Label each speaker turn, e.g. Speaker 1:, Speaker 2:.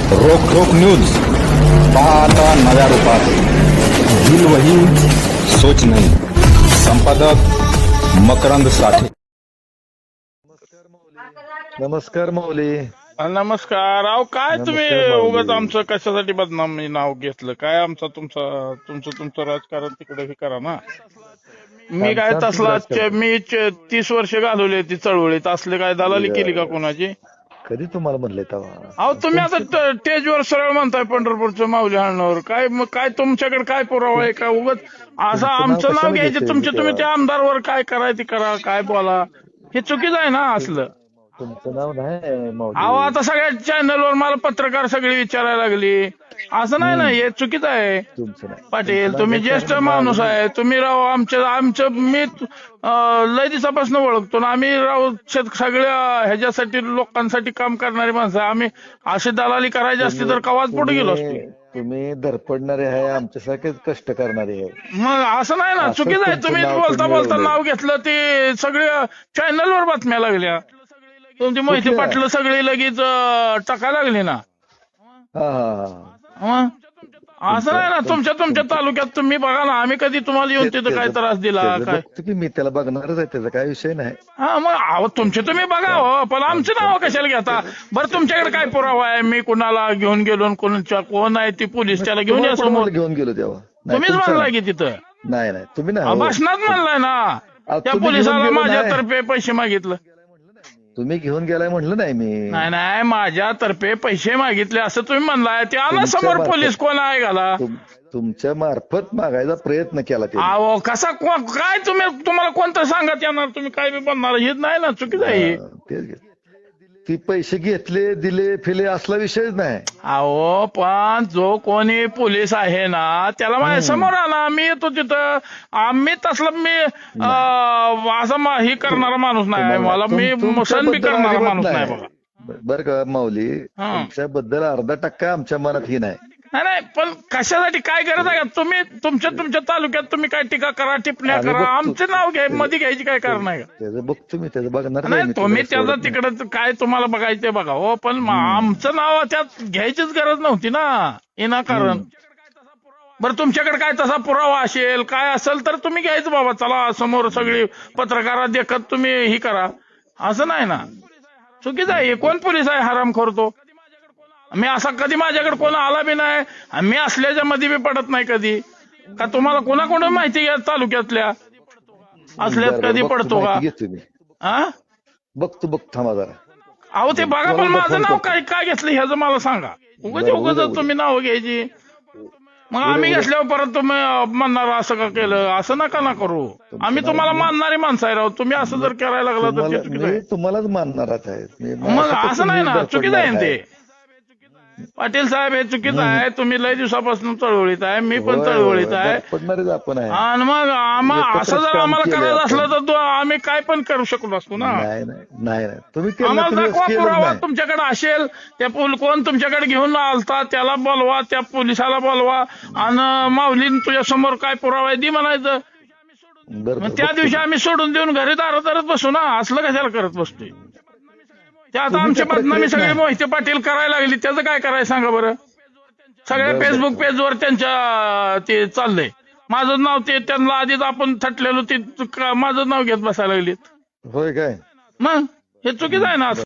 Speaker 1: रोख रोख न्यूज पहा आता नव्या रूपात. दिल वही सोच नहीं. संपादक मकरंद साठे.
Speaker 2: नमस्कार माऊली.
Speaker 3: नमस्कार. अहो काय तुम्ही
Speaker 2: नमस्कार माऊली.
Speaker 3: उगाच आमचं कशासाठी बदनामी नाव घेतलं काय? तुमचं राजकारण तिकडे हे करा ना. मी काय
Speaker 2: आमचं
Speaker 3: तसला
Speaker 2: राजकारण.
Speaker 3: मी 30 वर्ष घालवली ती चळवळीत. असले काय दलाली केली का कोणाची?
Speaker 2: कधी तुम्हाला म्हणले तेव्हा?
Speaker 3: अहो तुम्ही आता स्टेजवर सरळ म्हणताय पंढरपूरचं माऊली हाणण्यावर. काय तुमच्याकडे काय पुरावा आहे का? उगाच असं आमचं नाव
Speaker 2: कशाला
Speaker 3: घ्यायचं
Speaker 2: घेतलंय
Speaker 3: तुमचे
Speaker 2: मी
Speaker 3: तुम्ही त्या
Speaker 2: तेव्हा?
Speaker 3: आमदारवर काय करायचं करा, काय बोला, हे चुकीचं आहे ना असलं.
Speaker 2: तुमचं नाव नाही
Speaker 3: अहो
Speaker 2: माऊली.
Speaker 3: आता सगळ्या चॅनलवर मला पत्रकार सगळी विचारायला लागली. असं नाही ना, हे चुकीचं आहे.
Speaker 2: तुमचं नाही.
Speaker 3: पाटील
Speaker 2: तुमचं
Speaker 3: तुम्ही
Speaker 2: नाव
Speaker 3: ज्येष्ठ
Speaker 2: घेतलं
Speaker 3: माणूस
Speaker 2: माऊली.
Speaker 3: आहे. तुम्ही राव आमचं मी लय दिवसापासून ओळखतो ना. आम्ही राव सगळ्या ह्याच्यासाठी लोकांसाठी काम करणारी माणसं आहे. आम्ही अशी दलाली करायची असती तर कवाच पुढे गेलो असतो.
Speaker 2: तुम्ही धडपडणारे आहे, आमच्यासारखेच कष्ट करणारे आहे.
Speaker 3: मग असं नाही ना,
Speaker 2: असंच
Speaker 3: चुकीचं आहे.
Speaker 2: तुमचं
Speaker 3: तुम्ही
Speaker 2: नाव
Speaker 3: बोलता
Speaker 2: तुम्ही
Speaker 3: बोलता
Speaker 2: मिळवलंय.
Speaker 3: नाव घेतलं ते सगळ्या चॅनलवर बातम्या लागल्या. तुमची माहिती
Speaker 2: कुठल्या?
Speaker 3: पाटलं सगळी लगेच टाकायला लागली ना.
Speaker 2: हा हा हा.
Speaker 3: मग असं नाही ना, तुमच्या तालुक्यात तुम्ही बघा ना. आम्ही कधी तुम्हाला येऊन तिथं काय त्रास दिला
Speaker 2: त्याचं
Speaker 3: काय?
Speaker 2: बघतो की मी, त्याला बघणारच आहे, त्याचा काय विषय नाही.
Speaker 3: हा मग अहो तुमचे तुम्ही बघा हो, पण आमचे नाव कशाला घेता? बरं तुमच्याकडे काय पुरावा आहे? मी कुणाला घेऊन गेलो, कोण आहे ती पोलीस त्याला घेऊन या
Speaker 2: तुम्हाला
Speaker 3: समोर.
Speaker 2: कोणाला घेऊन गेलो तेव्हा? नाही,
Speaker 3: तुम्हीच
Speaker 2: तुमचं
Speaker 3: म्हणलाय
Speaker 2: नाही.
Speaker 3: की तिथं
Speaker 2: नाही तुम्ही नाही हो.
Speaker 3: भाषणात म्हणलाय ना.
Speaker 2: अहो,
Speaker 3: त्या
Speaker 2: तुम्ही
Speaker 3: पोलिसाला
Speaker 2: घेऊन गेलो
Speaker 3: माझ्यातर्फे पैसे मागितलं.
Speaker 2: तुम्ही घेऊन गेलाय म्हणलं नाही मी.
Speaker 3: नाही माझ्यातर्फे पैसे मागितले असं तुम्ही म्हणलाय. ते आला
Speaker 2: तुमच्या
Speaker 3: समोर
Speaker 2: मार्फत.
Speaker 3: पोलीस कोण आहे घाला.
Speaker 2: तुमच्या मार्फत मागायचा प्रयत्न केला ते.
Speaker 3: अहो कसा काय तुम्हाला कोणतं सांगत येणार? तुम्ही काय बी बनणार हे नाही ना, चुकीचं आहे हे.
Speaker 2: तेच. ती पैसे घेतले दिले फिले असला विषयच नाही.
Speaker 3: अहो पण जो कोणी पोलीस आहे ना त्याला माझ्या समोर आला. मी येतो तिथं. आम्ही तसलं मी असं हे करणारा माणूस नाही. मला मी सण बी करणारा माणूस नाही बघा.
Speaker 2: बरं का माऊली,
Speaker 3: हा.
Speaker 2: तुमच्याबद्दल अर्धा टक्का आमच्या मनात ही नाही.
Speaker 3: नाही पण कशासाठी काय गरज आहे का? तुम्ही तुमच्या तालुक्यात तुम्ही काय टीका करा, टिप्पण्या
Speaker 2: आम्ही
Speaker 3: करा,
Speaker 2: बघतो.
Speaker 3: आमचे नाव मध्ये घ्यायची काय कारण आहे का?
Speaker 2: त्याचं बघतो मी, त्याचं बघणार
Speaker 3: नाही
Speaker 2: मी,
Speaker 3: तुम्ही
Speaker 2: त्याला
Speaker 3: त्याचं
Speaker 2: सोडत नाही.
Speaker 3: तिकडं काय तुम्हाला बघायचं ते बघा हो. पण आमचं नाव त्यात घ्यायचीच गरज नव्हती ना विनाकारण. बरं तुमच्याकडे काय तसा पुरावा असेल काय असेल तर तुम्ही घ्यायचं बाबा. चला समोर सगळी पत्रकारा देखत तुम्ही ही करा. असं नाही ना, चुकीचं आहे. कोण पोलीस आहे हरामखोर तो? मी असा कधी माझ्याकडे कोण आला बी नाही. मी असल्याच्या मध्ये बी पडत नाही कधी. का तुम्हाला कोणाकोणा माहिती घ्या तालुक्यातल्या असल्यात
Speaker 2: बरं,
Speaker 3: कधी
Speaker 2: बघतो,
Speaker 3: पडतो का?
Speaker 2: माहिती घेतो मी.
Speaker 3: हा
Speaker 2: बघतो थांबा जरा.
Speaker 3: अहो ते बघा, पण माझं नाव काय घेतलं ह्याचं मला सांगा.
Speaker 2: बरं, उद्या.
Speaker 3: उगाच तुम्ही नाव घ्यायची. मग आम्ही घेतल्यावर परत तुम्ही म्हणणार असं का केलं, असं नका ना करू. आम्ही तुम्हाला मानणारी माणसं आहे राव. तुम्ही असं जर करायला लागला तर ते चुकीचं
Speaker 2: मी
Speaker 3: आहे.
Speaker 2: तुम्हालाच मानणारच आहे.
Speaker 3: मग असं नाही ना, चुकीचं आहे ना ते. पाटील साहेब हे चुकीचं आहे. तुम्ही लय दिवसापासून चळवळीत आहे, मी पण चळवळीत आहे.
Speaker 2: पडणारच आपण आहे.
Speaker 3: आणि मग असं जर
Speaker 2: काम
Speaker 3: आम्हाला
Speaker 2: केलंय
Speaker 3: करायचं
Speaker 2: आपण.
Speaker 3: असलं तर आम्ही काय पण करू शकलो असतो ना.
Speaker 2: नाही तुम्ही केलं,
Speaker 3: आम्हाला
Speaker 2: तुम्ही
Speaker 3: दाखवा
Speaker 2: केलंच
Speaker 3: पुरावा
Speaker 2: नाही.
Speaker 3: तुमच्याकडे असेल. त्या कोण तुमच्याकडे घेऊन आलता त्याला बोलवा, त्या पोलिसाला बोलवा आणि माऊलीन तुझ्या समोर काय पुरावा आहे दी म्हणायचं.
Speaker 2: बरं,
Speaker 3: मग त्या दिवशी आम्ही सोडून देऊन घरी दारात बसू ना. असलं कशाला करत बसतोय? ते आता
Speaker 2: तुम्ही
Speaker 3: आमची
Speaker 2: त्या
Speaker 3: बदनामी
Speaker 2: प्रक्रियेत
Speaker 3: सगळी
Speaker 2: नाही.
Speaker 3: मोहिते पाटील करायला लागली. त्याचं काय करायचं सांगा बरं? सगळ्या
Speaker 2: बरं,
Speaker 3: फेसबुक
Speaker 2: बरं.
Speaker 3: पेजवर त्यांच्या ते चाललंय. माझं नाव ते त्यांना आधीच आपण थटलेलो ते माझं नाव घेत बसायला लागलीत.
Speaker 2: होय काय?
Speaker 3: मग हे चुकीचं आहे ना.